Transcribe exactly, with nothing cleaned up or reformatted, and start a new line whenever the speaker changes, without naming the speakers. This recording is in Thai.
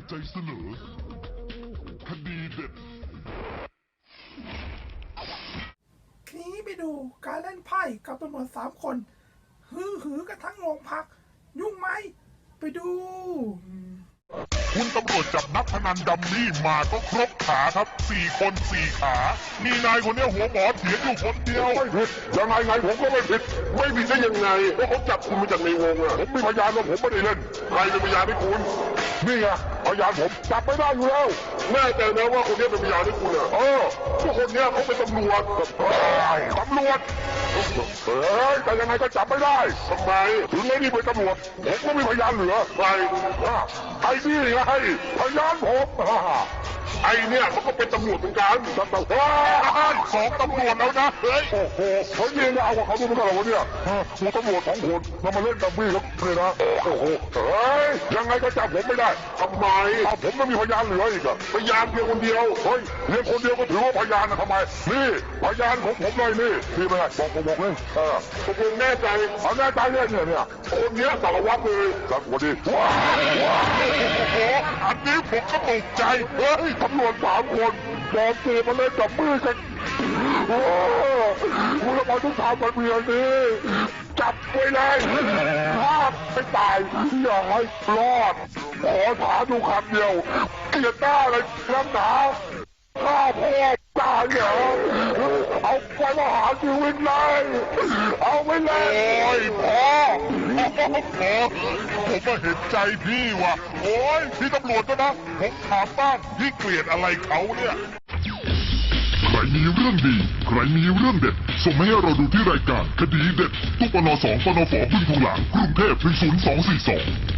ใจเสนอคดีเด็ด
ทีนี้ไปดูการเล่นไพ่กับตำรวจสามคนฮือหือกันทั้งโรงพักยุ่งไหมไปดู
คุณตำรวจจับนักพนันดัมมี่มาก็ครบขาครับสี่คนสี่ขามีนายคนนี้หัวหมอเถียงอยู่คนเดียวไม่ผิดยังไงไงผมก็ไม่ผิดไม่ผิดได้ยังไงเพราะเขาจับคุณมาจากในวงอะผมมีพยานว่าผมไม่ได้เล่นใครเป็นพยานให้คุณนี่ไงพยานผมจับไม่ได้อยู่แล้วแน่ใจนะว่าคนนี้เป็นพยานให้คุณอะเออพวกคนนี้เขาเป็นตำรวจตำรวจเฮ้ยแต่ยังไงก็จับไม่ได้ทำไมถึงไม่นี่เป็นตำรวจผมก็มีพยานเหลือใครไอ้นี่ไงพยานผมไอ้เนี่ยมันก็เป็นตำรวจเหมือนกันตำรวจสองตำรวจแล้วนะเฮ้ยโอ้โหเขาเยี่ยมเอากับเขาดูไม่ได้หรอวะเนี่ยกูตำรวจสองคนเรามาเล่นดัมมี่แล้วเลยนะโอ้โหเฮ้ยยังไงก็จับผมไม่ได้ทำไมเอาผมไม่มีพยานเหลืออีกอะพยานเพียงคนเดียวเฮ้ยเพียงคนเดียวก็ถือว่าพยานนะทำไมนี่พยานของผมเลยนี่พี่เป็นไงบอกผมบอกเลยเออผมแน่ใจเอาแน่ใจเนี่ยเนี่ยเนี่ยคนเนี้ยสารวัตรเลยสารวัตรดิว้าวว้าวโอ้โหอันนี้ผมก็ตกใจเฮ้ยตำรวจสามคนปลอมตัวมาเล่นจับมือกันโอ้คุณทำไมต้องทำแบบนี้จับไว้เลยถ้าไม่ตายอย่าให้รอดขอถามดูคำเดียวเกลียดหน้าเลยน้ำหนาข้าพ่อตายเหรอเอาไปมาหาชีวิตเลยเอาไปเลยโอ้ยพ่อพ่อผมมาเห็นใจพี่ว่ะโอ้ยพี่ตำรวจนะผมถามบ้างพี่เกลียดอะไรเขาเนี่ยใครมีเรื่องดีใครมีเรื่องเด็ดส่งมาให้เราดูที่รายการคดีเด็ดตู้ปนสองปนฝบึ้งทองหลางกรุงเทพหนึ่งศูนย์สองสี่สอง